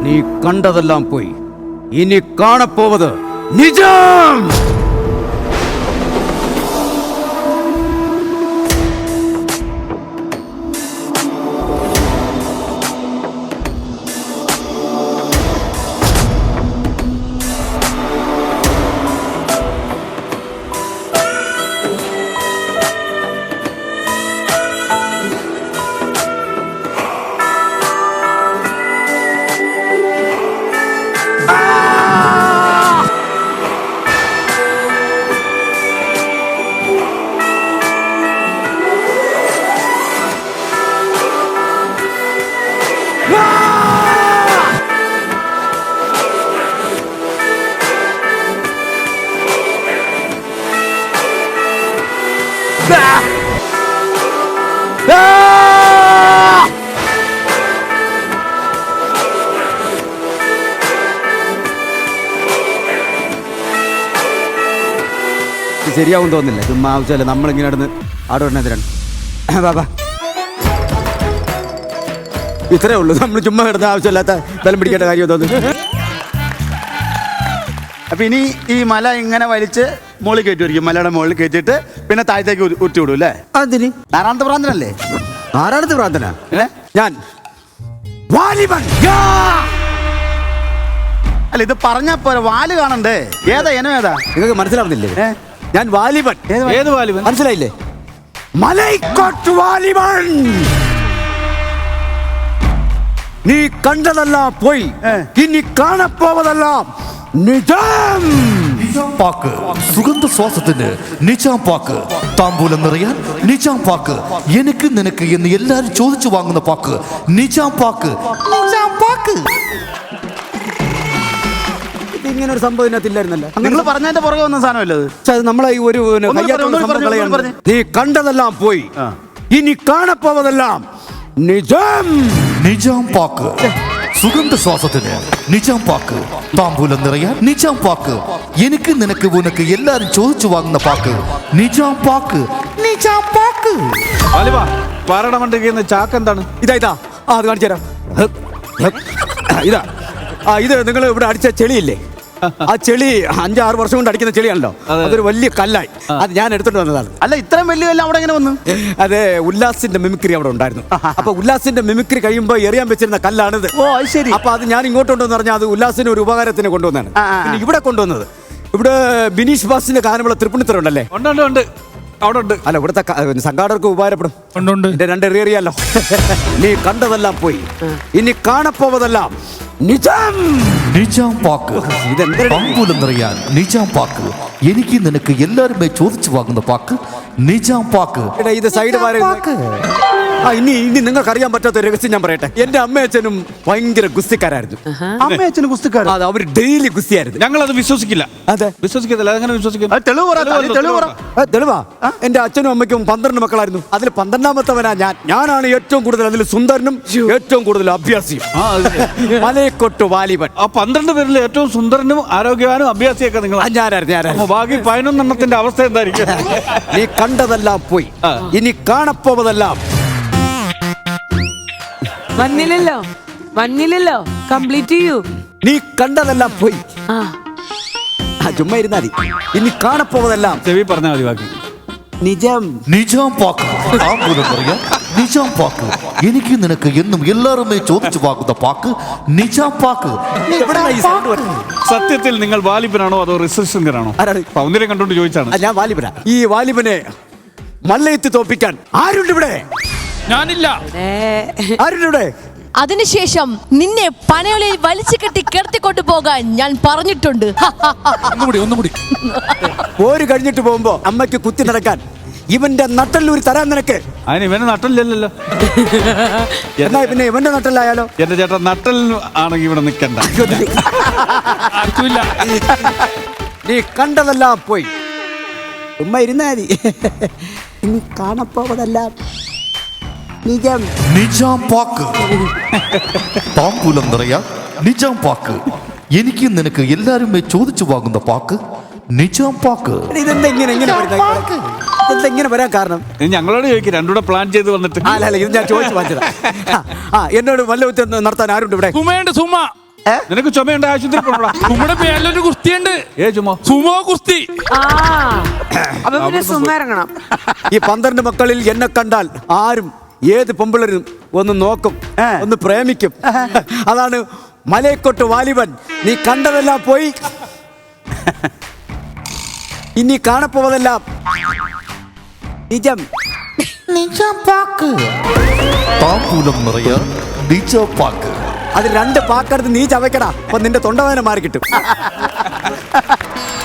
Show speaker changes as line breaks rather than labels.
നീ കണ്ടതെല്ലാം പോയി. ഇനി കാണപ്പോവത് നിജം. ശരിയാവും തോന്നില്ല. ചുമ്മാ ആവശ്യമല്ല നമ്മളിങ്ങനെ നടന്ന് ആടോടിനെതിരാണ്. ബാബാ ഇത്രേ ഉള്ളൂ. നമ്മൾ ചുമ്മാ കിടന്ന ആവശ്യമില്ലാത്ത ബലം പിടിക്കേണ്ട കാര്യം തോന്നുന്നു.
അപ്പൊ ഇനി ഈ മല ഇങ്ങനെ വലിച്ച് മുകളിൽ കയറ്റുമായിരിക്കും. മലയുടെ മുകളിൽ കയറ്റിയിട്ട് പിന്നെ താഴത്തേക്ക് ഉരുട്ടി വിടും അല്ലേ?
അതിന്
നാരായണത്തെ പ്രാന്തനല്ലേ?
ആരാണത് പ്രാർത്ഥന? ഞാൻ വാലിബൻ.
അല്ല ഇത് പറഞ്ഞാ പോരെ, വാല് കാണണ്ടേ? ഏതാ ഇനം ഏതാ?
നിങ്ങൾക്ക് മനസ്സിലാവുന്നില്ലേ? ഞാൻ വാലിബൻ.
ഏത് വാലിബൻ?
മനസ്സിലായില്ലേ? മലൈക്കോട്ട് വാലിബൻ. നീ കണ്ടതെല്ലാം പോയി. ഇനി കാണപ്പോവതെല്ലാം നിജം.
പാക്ക് സുഗന്ധ ശ്വാസത്തിന് നിജാം പാക്ക്. താമ്പൂലം നിറയാൻ നിജാം പാക്ക്. എനിക്ക് നിനക്ക് എന്ന് എല്ലാരും ചോദിച്ചു വാങ്ങുന്ന pack Nizam pack. Nizam pack.
ഇങ്ങനെ ഒരു സംഭവം ഇതിനകത്തില്ലായിരുന്നല്ലോ.
നിങ്ങൾ പറഞ്ഞതിന്റെ പുറകെ വന്ന സാധനമല്ലേ അത്?
അത് നമ്മളെ ഈ ഒരു നീ കണ്ടതെല്ലാം പോയി. ഇനി കാണപ്പോവതെല്ലാം നിജം.
നിജാം പാക്ക് സുഗന്ധ ശ്വാസത്തിന് നിജാം പാക്ക്. താമ്പൂലം നിറയാൻ നിജാം പാക്ക്. എനിക്ക് നിനക്ക് ഉനക്ക് എല്ലാരും ചോദിച്ചു വാങ്ങുന്ന pack Nizam pack. Nizam pack.
പാറടമണ്ടിരിക്കുന്ന ചാക്ക് എന്താണ്?
ഇതാ അത് കാണിച്ചു തരാം. ഇതാ ഇത് നിങ്ങൾ ഇവിടെ അടിച്ച ചെളിയില്ലേ? ആ ചെളി 5-6 വർഷം കൊണ്ട് അടിക്കുന്ന ചെളിയാണല്ലോ. അതൊരു വലിയ കല്ലായി. അത് ഞാൻ എടുത്തോണ്ട് വന്നതാണ്.
അല്ല ഇത്രയും വലിയ കല്ല് അവിടെ എങ്ങനെ വന്നു?
അതെ, ഉല്ലാസിന്റെ മിമിക്രി അവിടെ ഉണ്ടായിരുന്നു. അപ്പൊ ഉല്ലാസിന്റെ മിമിക്രി കഴിയുമ്പോ എറിയാൻ വെച്ചിരുന്ന കല്ലാണിത്.
ഓ ശരി.
അപ്പൊ അത് ഞാൻ ഇങ്ങോട്ട് കൊണ്ടുവന്ന് പറഞ്ഞാൽ അത് ഉല്ലാസിന് ഒരു ഉപകാരത്തിന് കൊണ്ടുവന്നാണ്. പിന്നെ ഇവിടെ കൊണ്ടുവന്നത് ഇവിടെ ബിനീഷ് ബാസിന്റെ ഗാനമുള്ള തൃപ്പൂണിത്തുറ ഉണ്ടല്ലേ?
ഉണ്ട് അവിടെ ഉണ്ട്.
അല്ല ഇവിടുത്തെ സംഘാടകർക്ക് ഉപകാരപ്പെടും.
ഉണ്ട്.
2 എറിയറിയാലോ. നീ കണ്ടതെല്ലാം പോയി. ഇനി കാണപ്പോവതെല്ലാം നിജം.
നിജാം പാക്ക്. താമ്പൂലം നിറയാൻ നിജാം പാക്ക്. എനിക്ക് നിനക്ക് എല്ലാരുമേ ചോദിച്ചു വാങ്ങുന്ന പാക്ക് നിജാം പാക്ക്.
ഇത് സൈഡ് ഇനി നിങ്ങൾക്ക് അറിയാൻ പറ്റാത്ത രഹസ്യം ഞാൻ പറയട്ടെ. എന്റെ അമ്മയച്ഛനും ഭയങ്കര ഗുസ്തിക്കാരായിരുന്നു.
അമ്മയച്ഛനും ഗുസ്തിക്കാരൻ?
അതെ, അവർ ഡെയിലി ഗുസ്തിയായിരുന്നു.
ഞങ്ങൾ അത് വിശ്വസിക്കില്ല.
അതെ,
വിശ്വസിക്കത്തില്ല. അതെങ്ങനെ വിശ്വസിക്കും?
തെളിവാ. എന്റെ അച്ഛനും അമ്മയ്ക്കും 12 മക്കളായിരുന്നു. അതിൽ 12ാമത്തവനാ ഞാൻ. ഞാനാണ് ഏറ്റവും കൂടുതൽ അതിൽ സുന്ദരനും ഏറ്റവും കൂടുതൽ അഭ്യാസിയും. മലയക്കൊട്ട് വാലിബൻ.
ആ 12 പേരിൽ ഏറ്റവും സുന്ദരനും ആരോഗ്യവാനും അഭ്യാസിയൊക്കെ നിങ്ങൾ?
ഞാനായിരുന്നു.
ബാക്കി 11 എണ്ണത്തിന്റെ അവസ്ഥ എന്തായിരിക്കും?
നീ കണ്ടതെല്ലാം പോയി. ഇനി കാണപ്പോവതെല്ലാം
വന്നില്ലല്ലോ. കംപ്ലീറ്റ് ചെയ്യൂ.
നീ കണ്ടതെല്ലാം പോയി. ചുമ്മാ ഇരുന്നാ മതി. ഇനി കാണപ്പോവതെല്ലാം
ചെവി പറഞ്ഞാൽ മതി ബാക്കി.
നിജം.
നിജാം പാക്ക്. താമ്പൂലം നിറയാൻ നിജാം പാക്ക്. എനിക്ക് നിനക്ക് എന്നും എല്ലാരുമേ ചോദിച്ചു വാങ്ങുന്ന പാക്ക് നിജാം പാക്ക്.
സത്യത്തിൽ നിങ്ങൾ വാലിബനാണോ അതോ റിസർച്ചറാണോ? ഒന്നിനെ കണ്ടോണ്ട് ചോദിച്ചാണ്.
ഞാൻ വാലിബനാ. ഈ വാലിബനെ മല്ലയത്ത് തോപ്പിക്കാൻ ആരുണ്ട് ഇവിടെ?
ഞാനില്ല.
ആരുണ്ട് ഇവിടെ?
അതിനുശേഷം നിന്നെ പനയോലയിൽ വലിച്ചു കെട്ടി കിടത്തിക്കൊണ്ടു പോകാൻ ഞാൻ പറഞ്ഞിട്ടുണ്ട്.
ഒന്നുകൂടി.
പോര് കഴിഞ്ഞിട്ട് പോകുമ്പോ അമ്മയ്ക്ക് കുത്തി നടക്കാൻ ഇവന്റെ നട്ടല്ലൂരി തരാൻ നിനക്ക്.
അതിന് ഇവന് നട്ടലില്ലല്ലോ.
എന്നാ പിന്നെ ഇവന്റെ നട്ടല്ലായാലോ?
എന്റെ ചേട്ടൻ നട്ടൽ ആണെങ്കിൽ ഇവിടെ നിൽക്കണ്ട.
നീ കണ്ടതെല്ലാം പോയി. ഉമ്മ ഇരുന്നാ മതി. ഇനി കാണപ്പോവതെല്ലാം നിജം.
നിജാം പാക്ക്. താമ്പൂലം നിറയാൻ നിജാം പാക്ക്. എനിക്ക് നിനക്ക് എല്ലാരുമേ ചോദിച്ചു വാങ്ങുന്ന പാക്ക് നിജാം പാക്ക്.
ഇതെങ്ങനെ വരാൻ കാരണം?
ഞങ്ങളോട് ചോദിക്കും. രണ്ടുകൂടെ പ്ലാൻ ചെയ്ത് വന്നിട്ട്.
അല്ല ഇത് ഞാൻ ചോദിച്ചു വാങ്ങിച്ചതാ. എന്നോട് വല്ല നടത്താൻ ആരുണ്ട് ഇവിടെ?
നിനക്ക് ചുമയുണ്ട് ആശുപത്രി പോകണോടാ.
നമ്മുടെ പേരിലൊരു കുസ്തിയുണ്ട്.
ചുമ
സുമോ കുസ്തി.
അപ്പൊ പിന്നെ സുമ ഇറങ്ങണം.
ഈ 12 മക്കളിൽ എന്നെ കണ്ടാൽ ആരും ഏത് പെമ്പിളരും ഒന്ന് നോക്കും, ഒന്ന് പ്രേമിക്കും. അതാണ് മലയക്കൊട്ട് വാലിബൻ. നീ കണ്ടതെല്ലാം പോയി, ഇനി കാണപ്പോവതെല്ലാം നിജം.
താമ്പൂലം നിറയാൻ നിജാം പാക്ക്.
അത് 2 പാക്കെടുത്ത് നീ ചവയ്ക്കടാ, അപ്പൊ നിന്റെ തൊണ്ടവേദന മാറി കിട്ടും.